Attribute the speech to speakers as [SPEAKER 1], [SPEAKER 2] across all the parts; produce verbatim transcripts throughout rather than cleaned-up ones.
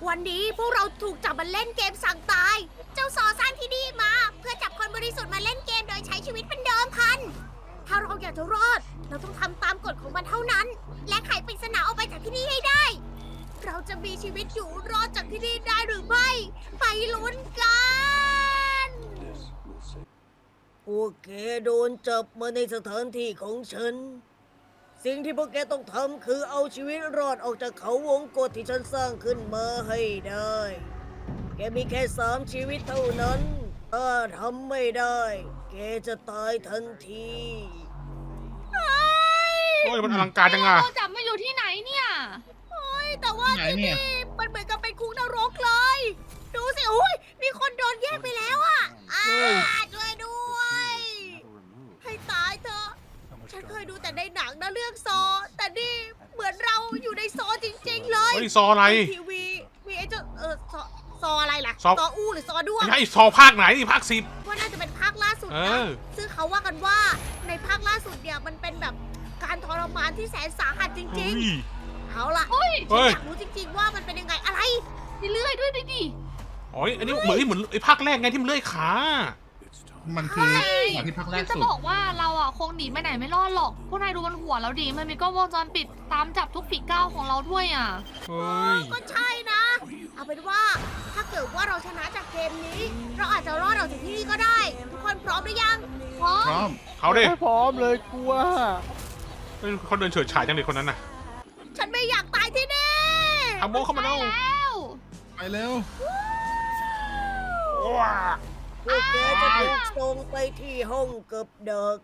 [SPEAKER 1] วันนี้พวกเราถูกจับมาเล่นเกมสั่งตาย เจ้าซอสร้างที่นี่มา เพื่อจับคนบริสุทธิ์มาเล่นเกมโดยใช้ชีวิตเป็นเดิมพัน ถ้าเราอยากจะรอด เราต้องทำตามกฎของมันเท่านั้น และไขปริศนาออกไปจากที่นี่ให้ได้ เราจะมีชีวิตอยู่รอดจากที่นี่ได้หรือไม่ ไปลุ้นกัน
[SPEAKER 2] พวกแกโดนจับมาในสถานที่ของฉัน สิ่งที่พวกแกต้องทำคือเอาชีวิตรอดออกจากเขาวงกฏที่ฉันสร้างขึ้นมาให้ได้ แกมีแค่สามชีวิตเท่านั้น ถ้าทำไม่ได้ แกจะตายทันที
[SPEAKER 3] โอ้ยมันอลังการจังอะ
[SPEAKER 4] เราจับมาอยู่ที่ไหนเนี่ย
[SPEAKER 1] เฮ้ยแต่ว่า
[SPEAKER 5] ไหน
[SPEAKER 1] ที่
[SPEAKER 5] เนี่ย
[SPEAKER 1] นี่มันเหมือนกับเป็นคุกนรกเลย ดูสิอุ้ยมีคนโดนแยกไปแล้วอ่ะอ่าช่วยด้วย ให้ตายเถอะ ฉันเคยดูแต่ในหนังนะเรื่องซอ แต่นี่เหมือนเราอยู่ในซอจริงๆเลย
[SPEAKER 3] เฮ้ยซออะไร
[SPEAKER 1] ทีวีมีไอ้เจ้าเออซอซออะไรล่ะ
[SPEAKER 3] ซอ
[SPEAKER 1] ซออู้หรือซอด้วง
[SPEAKER 3] ไม่ใช่ซอภาคไหนนี่ภาคสิบ
[SPEAKER 1] ว่าน่าจะเป็นภาคล่าสุด
[SPEAKER 3] เอ
[SPEAKER 1] นะ
[SPEAKER 3] อ
[SPEAKER 1] ซึ่งเขาว่ากันว่าในภาคล่าสุดเนี่ยมันเป็นแบบการทรมานที่แสนสาหัสจ
[SPEAKER 3] เฮ้
[SPEAKER 1] ริง
[SPEAKER 3] ย
[SPEAKER 1] ๆ เอาล่ะ
[SPEAKER 4] เฮ้ย
[SPEAKER 3] เฮ้ย
[SPEAKER 1] อยากรู้จริงๆว่ามันเป็นยังไงอะไร
[SPEAKER 4] มีเลื่อยด้วยดิดิ
[SPEAKER 3] อ๋ออันนี้เหมือนเหมือนไอ้ภาคแรกไงที่มันเลื่อยขา
[SPEAKER 5] มันคือ
[SPEAKER 1] ใช่
[SPEAKER 5] อย่างที่พักแร
[SPEAKER 4] ฉั
[SPEAKER 5] ก
[SPEAKER 4] นจะ
[SPEAKER 5] สุด
[SPEAKER 4] บอกว่าเราอ่ะคงหนีไปไหนไม่รอดหรอก พวกนายดูบนหัวเราดิ มันมีกล้องวงจรปิดตามจับทุกฝีก้าวของเราด้วยอ่ะ
[SPEAKER 3] เฮ้ย
[SPEAKER 1] ก็ใช่นะ เอาเป็นว่าถ้าเกิดว่าเราชนะจากเกมนี้ เราอาจจะรอดออกจากที่นี่ก็ได้ ทุกคนพร้อมหรือยัง
[SPEAKER 4] พร้อ
[SPEAKER 5] พร้อ
[SPEAKER 4] ม
[SPEAKER 5] ม
[SPEAKER 3] เขาดิ
[SPEAKER 6] ไม่พร้อมเลยกลัว
[SPEAKER 3] เฮ้ยเขาเดินเฉิดฉายจังเลยคนนั้นน่ะ
[SPEAKER 1] ฉันไม่อยากตายที่นี่
[SPEAKER 3] ทำโมเข้ามาแล้ว
[SPEAKER 4] แล้ว
[SPEAKER 5] ไปเร็ว
[SPEAKER 3] ว้า
[SPEAKER 2] พวกแกจะถูกส่งไปที่ห้องเกับดัก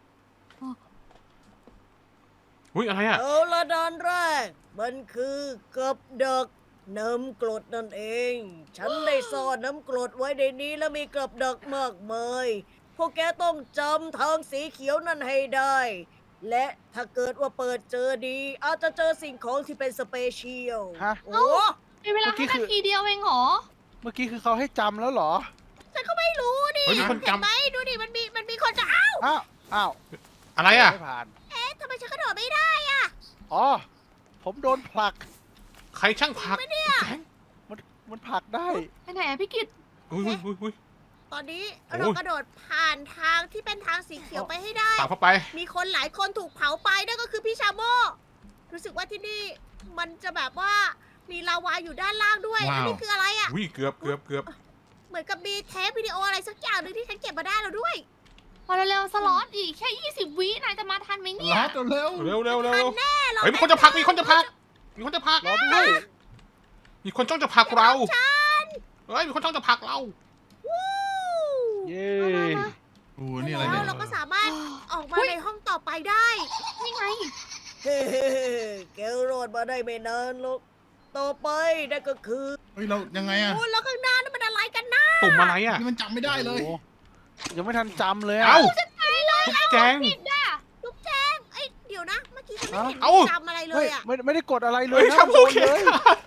[SPEAKER 3] อุ้ยอะไรอ่ะ
[SPEAKER 2] เอาละดานแรก มันคือเกับดักน้ำกรดนั่นเอง ฉันได้ซ่อนน้ำกรดไว้ในนี้แล้วมีกับดักมากมาย พวกแกต้องจำทางสีเขียวนั่นให้ได้ และถ้าเกิดว่าเปิดเจอดี อาจจะเจอสิ่งของที่เป็นสเปเชียล
[SPEAKER 6] ฮะ
[SPEAKER 2] โอ้
[SPEAKER 4] มีเวลา
[SPEAKER 6] เมื่อกี้
[SPEAKER 4] แค่
[SPEAKER 6] คือ
[SPEAKER 4] นาทีเดียวเองเหรอ
[SPEAKER 6] เมื่อกี้คือเขาให้จำแล้วเหรอ
[SPEAKER 1] ฉันก็ไม่รู้ดิ
[SPEAKER 3] เฮ้ยมีคน
[SPEAKER 1] เห็น
[SPEAKER 3] จำ
[SPEAKER 1] ไหมดูดิมันมีมันมีคนจะอ้าว
[SPEAKER 6] อ้าว อ้าว
[SPEAKER 3] อะไรอ่ะ
[SPEAKER 6] ไม่ผ่าน
[SPEAKER 1] เอ๊ะทำไมฉันกระโดดไม่ได้อะ
[SPEAKER 6] อ๋อ ผมโดนผลัก
[SPEAKER 3] ใครช่างผักแจ้ง
[SPEAKER 6] มัน มันผลักได้
[SPEAKER 4] ไปไหนอะพี่กิต
[SPEAKER 3] อุ้ยอุ้ยอุ้ยอุ้ย
[SPEAKER 1] ตอนนี้
[SPEAKER 3] โอ้ย
[SPEAKER 1] เรากระโดดผ่านทางที่เป็นทางสีเขียวไปให้ได้
[SPEAKER 3] ตามเข้าไป
[SPEAKER 1] มีคนหลายคนถูกเผาไปนั่นก็คือพี่ชาโมรู้สึกว่าที่นี่มันจะแบบว่ามีลาวาอยู่ด้านล่างด้วย
[SPEAKER 5] ว้าว
[SPEAKER 1] อันนี้คืออะไรอะ่ะ
[SPEAKER 3] อุ้ยเกือบเกือบเกือบ
[SPEAKER 1] เหมือนกับมีเทปวิดีโออะไรสักอย่างหนึ่งที่ฉันเก็บมาได้แล้วด้วย
[SPEAKER 4] พอเร็วๆสล็อตอีกแค่ยี่สิบวินายจะมาทันไหมเนี่ย
[SPEAKER 5] ลัดเร็ว
[SPEAKER 3] เร็วเร็วเร็ว
[SPEAKER 1] ทั
[SPEAKER 3] เร็
[SPEAKER 1] น
[SPEAKER 3] ว
[SPEAKER 1] แน่เรา
[SPEAKER 3] เฮ้ยมีคนจะผลักมีคนจะผลักมีคนจะผลัก
[SPEAKER 6] รอด้วย
[SPEAKER 3] มีคนจ้องจะผลักเรา
[SPEAKER 1] ฉัน
[SPEAKER 3] เฮ้ยมีคนจ้องจะผลักเรา
[SPEAKER 1] วู้
[SPEAKER 6] เย้
[SPEAKER 5] โอ้นี่อะไร
[SPEAKER 1] แล้
[SPEAKER 5] เนี่
[SPEAKER 1] วย เราก็สามารถออกมาในห้องต่อไปได้
[SPEAKER 4] นี่ไง
[SPEAKER 2] เฮ้แกรอดมาได้ไม่นานหรอก ต่อไปนั่นก็คือ
[SPEAKER 5] เฮ้ยเรายังไงอะ
[SPEAKER 1] โอ้แล้วข้างหน้านั่นมันอะไรกันนะ
[SPEAKER 3] ตุ่มอะไรอ่ะ
[SPEAKER 5] นี่มันจำไม่ได้เลย
[SPEAKER 6] โอ้ยังไม่ทันจำเลยอะ
[SPEAKER 3] เอ้าทุกแจง
[SPEAKER 4] ผิดอ่ะ
[SPEAKER 1] ลูกแจงเอ้ยเดี๋ยวนะ เมื่อกี้ฉันไม่เห็น
[SPEAKER 3] เอ้า
[SPEAKER 1] จำอะไรเล
[SPEAKER 6] เฮ้
[SPEAKER 1] ย
[SPEAKER 6] ย
[SPEAKER 1] อ่ะ
[SPEAKER 6] ไม่ไม่ได้กดอะไรเล
[SPEAKER 3] เฮ้
[SPEAKER 6] ย
[SPEAKER 3] ย
[SPEAKER 6] นะ
[SPEAKER 3] ทำโอเค
[SPEAKER 6] โดนเลย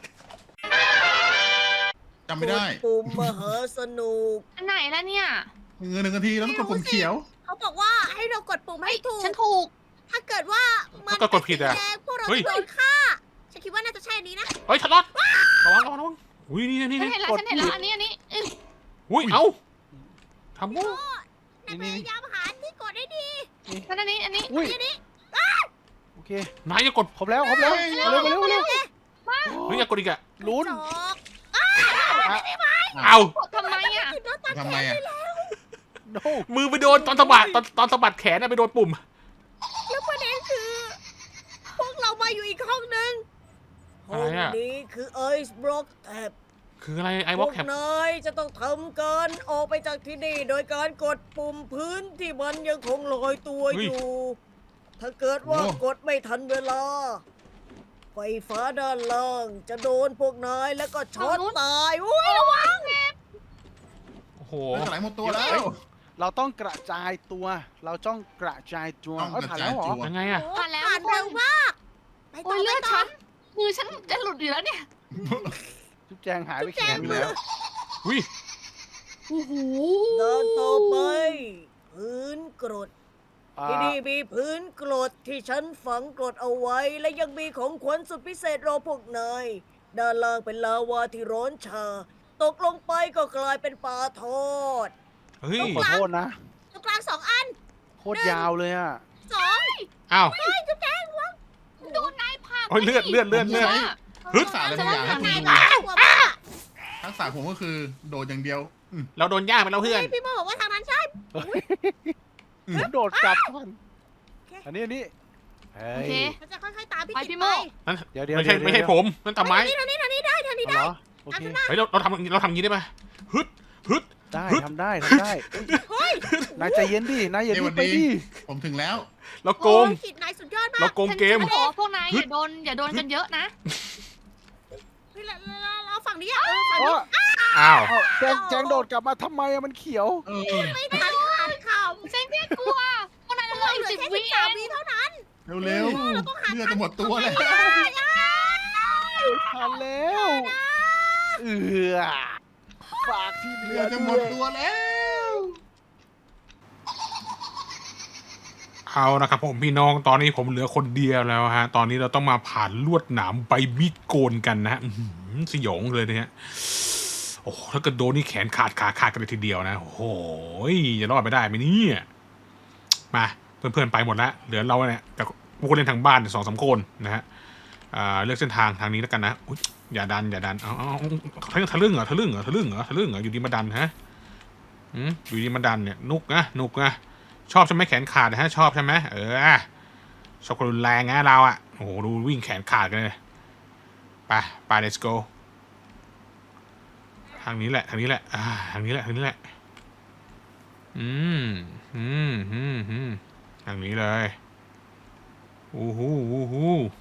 [SPEAKER 5] จำไม่ได้
[SPEAKER 2] กปุ่มมหาสนุก
[SPEAKER 4] อันไหนแล้วเนี่ย
[SPEAKER 5] เงินหนึ่งนาทีแล้วต้องกดปุ่มเขียว
[SPEAKER 1] เขาบอกว่าให้เรากดปุ่มให้ถูก
[SPEAKER 4] ฉันถูก
[SPEAKER 1] ถ้าเกิดว่ามัน
[SPEAKER 3] ถ้าเกิดกดผิดอะ
[SPEAKER 1] เป็นสีแงพวกเรา
[SPEAKER 3] เฮ้ย
[SPEAKER 1] จะโดนฆ่า ฉันคิดว่าน่าจะใช่อันนี้นะ
[SPEAKER 3] เฮ้ยชัดรอดระวังระวังระวังอุ้ยนี่นี่
[SPEAKER 4] ฉัน
[SPEAKER 3] นี่
[SPEAKER 4] เห็นแล้วฉันเห็นแล้วอันนี้อันนี้เอ้ย
[SPEAKER 3] อุ้ยเอ้าทำโม
[SPEAKER 1] นายพยายามหาที่กดให้ดี
[SPEAKER 4] ฉันอันนี้อันนี้
[SPEAKER 6] อุ้ย
[SPEAKER 1] อันนี้
[SPEAKER 6] โอเค
[SPEAKER 3] นายอย่ากด
[SPEAKER 6] ครบแล้วครบแล้ว
[SPEAKER 5] เฮ้ย
[SPEAKER 6] เอาเร็วมาเร็วมาเร็ว
[SPEAKER 3] เฮ้ยอย่ากดอีกอะ
[SPEAKER 6] ลุ้น
[SPEAKER 1] จอก
[SPEAKER 3] เอ้าก
[SPEAKER 4] ดทำไมอ่ะ
[SPEAKER 1] ติดรถตัด
[SPEAKER 5] ทำ
[SPEAKER 1] แข
[SPEAKER 5] ไม
[SPEAKER 1] น
[SPEAKER 5] อะ
[SPEAKER 1] ไปแล้ว
[SPEAKER 6] โน
[SPEAKER 3] มือไปโดนตอนสะบัดตอนตอนสะบัดแขนอะไปโดนปุ่ม
[SPEAKER 1] แล้วประเด็นคือ พวกเรามาอยู่อีกห้องนึง
[SPEAKER 2] ห้องนี้คือไอซ์บล็อกแท็บ
[SPEAKER 3] คืออะไรไอ้
[SPEAKER 2] พ
[SPEAKER 3] วอ
[SPEAKER 2] ว
[SPEAKER 3] ล
[SPEAKER 2] ก
[SPEAKER 3] แคป
[SPEAKER 2] นายจะต้องทำการออกไปจากที่นี่ โดยการกดปุ่มพื้นที่มันยังคงลอยตัวอยู่ ถ้าเกิดว่ากดไม่ทันเวลา ไฟฟ้าด้านล่างจะโดนพวกนายแล้วก็ช็อตตายอุ้ยระวัง
[SPEAKER 3] โอ้โห
[SPEAKER 5] เฮ้ยสลายหมดตัวแล้ว
[SPEAKER 6] เราต้องกระจายตัว เราต้องกระจายตัว
[SPEAKER 5] ต้อง
[SPEAKER 6] เอ้ย
[SPEAKER 5] กระ
[SPEAKER 6] ผ่าน
[SPEAKER 5] จาย
[SPEAKER 6] แล้วเหรอ
[SPEAKER 5] ตัว
[SPEAKER 3] ยังไงอะ
[SPEAKER 1] โอ้
[SPEAKER 4] ผ่านแล้ว
[SPEAKER 1] ผ่านเร็วมากไป
[SPEAKER 4] โอ้
[SPEAKER 1] ต่อย ไป
[SPEAKER 4] เลือด
[SPEAKER 1] ต่อ
[SPEAKER 4] ฉันมือฉันจะหลุดอยู่แล้วเนี่ย
[SPEAKER 6] จุ๊บแจงหายไปแขนแล้ว
[SPEAKER 3] อุ้ย
[SPEAKER 4] โอ้โห
[SPEAKER 2] ด้านต่อไป พื้นกรด
[SPEAKER 6] อ่า
[SPEAKER 2] ที่นี่มีพื้นกรดที่ฉันฝังกรดเอาไว้ และยังมีของขวัญสุดพิเศษรอพวกนายด้านล่างเป็นลาวาที่ร้อนชา ตกลงไปก็กลายเป็นปลาทอด
[SPEAKER 3] เฮ้ย
[SPEAKER 6] ต้องขอโทษนะ
[SPEAKER 1] ตรงกลางสองอัน
[SPEAKER 6] โคตรยาวเลยอ่ะ
[SPEAKER 1] สอง
[SPEAKER 3] อ้าว
[SPEAKER 1] เฮ้ยจุ๊บแดงวะ
[SPEAKER 4] โดนนายผลัก
[SPEAKER 3] โอ้ยเลือดเลือดเลือดเลือด
[SPEAKER 5] ฮึดสาอะไรบางอย่างให้
[SPEAKER 1] นาย
[SPEAKER 5] คุณ
[SPEAKER 1] น่ากลัวมาก
[SPEAKER 5] ทักษะผมก็คือโดดอย่างเดียวอืม
[SPEAKER 3] เราโดนย่างไปแล้วเพื่อน
[SPEAKER 1] เฮ้ยพี่โมบอกว่าทางนั้นใช่
[SPEAKER 6] ผมโดดกลับก่อนอันนี้อันนี้เฮ้
[SPEAKER 4] โอย เค
[SPEAKER 1] มันจะค่อยๆตามพี่
[SPEAKER 4] ไป
[SPEAKER 1] กิ
[SPEAKER 4] พี่
[SPEAKER 1] ต
[SPEAKER 4] โม่
[SPEAKER 1] ไป
[SPEAKER 3] นั่น
[SPEAKER 6] เดี๋ยวเดี๋ยว
[SPEAKER 3] ไม่ใช่
[SPEAKER 6] เดี๋ยว
[SPEAKER 3] ไม่ใช่ผมนั่นตาไม้
[SPEAKER 1] ทางนี้ทางนี้ทางนี้ได้ทางนี้
[SPEAKER 6] เอา
[SPEAKER 1] ได้
[SPEAKER 6] เหรอโอเค
[SPEAKER 3] เฮ้ยเราเราทำเราทำอย่างนี้ได้ปะฮึดฮึด
[SPEAKER 6] ได้
[SPEAKER 3] ฮึด
[SPEAKER 6] ทำได้ทำได้เฮ้ยนายใจเย็นดินายอย่า
[SPEAKER 5] เอ้ย
[SPEAKER 6] รี
[SPEAKER 5] วั
[SPEAKER 6] บ
[SPEAKER 5] น
[SPEAKER 6] ไป
[SPEAKER 5] นี้
[SPEAKER 6] ดิ
[SPEAKER 5] ผมถึงแล้ว
[SPEAKER 3] เราโกง
[SPEAKER 1] โอ้ยกิตนายสุดยอดมา
[SPEAKER 3] เรา
[SPEAKER 1] ก
[SPEAKER 3] โกงเกม
[SPEAKER 4] ฉันจะบอกว่าพวกนายอย่าโดนอย่าโดนกันเยอะนะ
[SPEAKER 1] เฮ้ยเราเราเราฝั่งนี้อะเออฝั่ง
[SPEAKER 6] อ๋
[SPEAKER 1] นี้
[SPEAKER 6] อ
[SPEAKER 3] อ้าว
[SPEAKER 6] เอ้าแจงแจงโดดกลับมาทำไมอะมันเขียว
[SPEAKER 5] เออ
[SPEAKER 1] ไม่ทันขาดข่าว
[SPEAKER 4] เซ็งแค่กลัวพวกนายเหลืออีก
[SPEAKER 1] เหลือ
[SPEAKER 4] สิบ
[SPEAKER 1] แค่
[SPEAKER 4] วิ
[SPEAKER 1] สิบ
[SPEAKER 4] เอ
[SPEAKER 1] สาม
[SPEAKER 4] ง
[SPEAKER 1] วิเท่านั้น
[SPEAKER 5] เร็ว
[SPEAKER 1] เราต้องหา
[SPEAKER 5] ๆเลือดจะหมดตัวแล้ว
[SPEAKER 6] ทันแล้วเอือฝากที่เหลื
[SPEAKER 5] เลื
[SPEAKER 6] อ
[SPEAKER 5] อดจะหมดตัวแล้ว
[SPEAKER 3] เอานะครับผมพี่น้องตอนนี้ผมเหลือคนเดียวแล้วฮะตอนนี้เราต้องมาผ่านลวดหนามใบมีดโกนกันนะฮะอื้อหือสยองเลยนะฮะโอ้โหถ้าเกิดโดนนี่แขนขาดขาขาดกันเลยทีเดียวนะโอ้โหจะรอดไปได้ไหมเนี่ยมาเพื่อนๆไปหมดแล้วเหลือเราเนี่ยกับผู้เล่นทางบ้านสองสามคนนะฮะอ่าเลือกเส้นทางทางนี้แล้วกันนะอุ๊ยอย่าดันอย่าดันเอาเอาเอาทะลึ่งเหรอทะลึ่งเหรอทะลึ่งเหรอทะลึ่งเหรออยู่ดีมาดันฮะอืมอยู่ดีมาดันเนี่ยนุกนะนุกนะชอบใช่ไหมแขนขาดนะฮะชอบใช่ไหมเออชอบคนรุนแรงนะเราอ่ะโอ้โหดูวิ่งแขนขาดกันเลยไปไป let's go ทางนี้แหละทางนี้แหละอ่าทางนี้แหละทางนี้แหละอืมอืมอืมอืมทางนี้เลยอู้หูอู้หู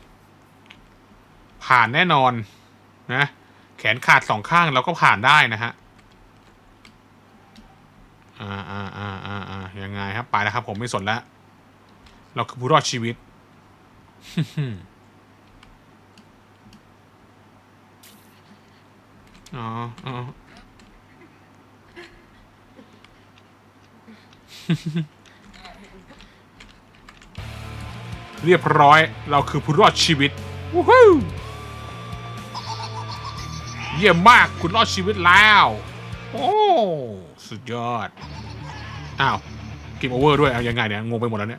[SPEAKER 3] ผ่านแน่นอนนะแขนขาดสองข้างเราก็ผ่านได้นะฮะอ่าอ่าอ่าอ่าอ่ายังไงครับไปแล้วครับผมไม่สนแล้วเราคือผู้รอดชีวิต อ๋ออ๋อ เรียบร้อยเราคือผู้รอดชีวิตวู้ฮู้เยี่ยมมากคุณรอดชีวิตแล้วโอ้สุดยอดอ้าวเกมโอเวอร์ด้วยเอายังไงเนี่ยงงไปหมดแล้วเนี่ย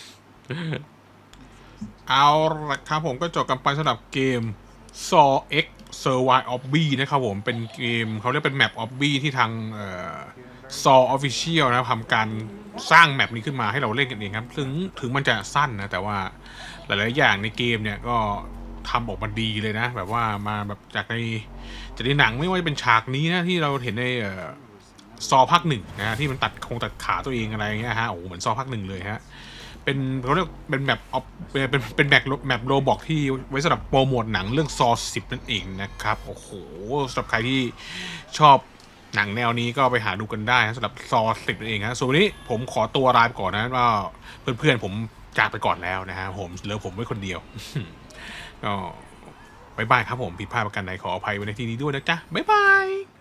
[SPEAKER 3] เอาละครับผมก็จบกันไปสำหรับเกม Saw X Survive Obby นะครับผมเป็นเกมเขาเรียกเป็นแมป Obby ที่ทางเอ่อ Saw Official นะทำการสร้างแมปนี้ขึ้นมาให้เราเล่นกันเองครับถึงถึงมันจะสั้นนะแต่ว่าหลายๆอย่างในเกมเนี่ยก็ทำออกมาดีเลยนะแบบว่ามาแบบจากในจากในหนังไม่ว่าจะเป็นฉากนี้นะที่เราเห็นในเอ่อซอภาคหนึ่งนะที่มันตัดคงตัดขาตัวเองอะไรอย่างเงี้ยฮะโอ้โหเหมือนซอภาคหนึ่งเลยฮะเป็นเขาเรียกเป็นแบบออฟเป็นเป็นแมปแมปโรบอกที่ไว้สำหรับโปรโมทหนังเรื่องซอสิบนั่นเองนะครับโอ้โหสำหรับใครที่ชอบหนังแนวนี้ก็ไปหาดูกันได้นะสำหรับซอสิบนั่นเองฮะส่วนวันนี้ผมขอตัวลาไปก่อนนะว่าเพื่อนๆผมจากไปก่อนแล้วนะฮะผมเหลือผมไว้คนเดียว ก็บ๊ายบายครับผมผิดพลาดประการใดขออภัยไว้ในที่นี้ด้วยนะจ๊ะบ๊ายบาย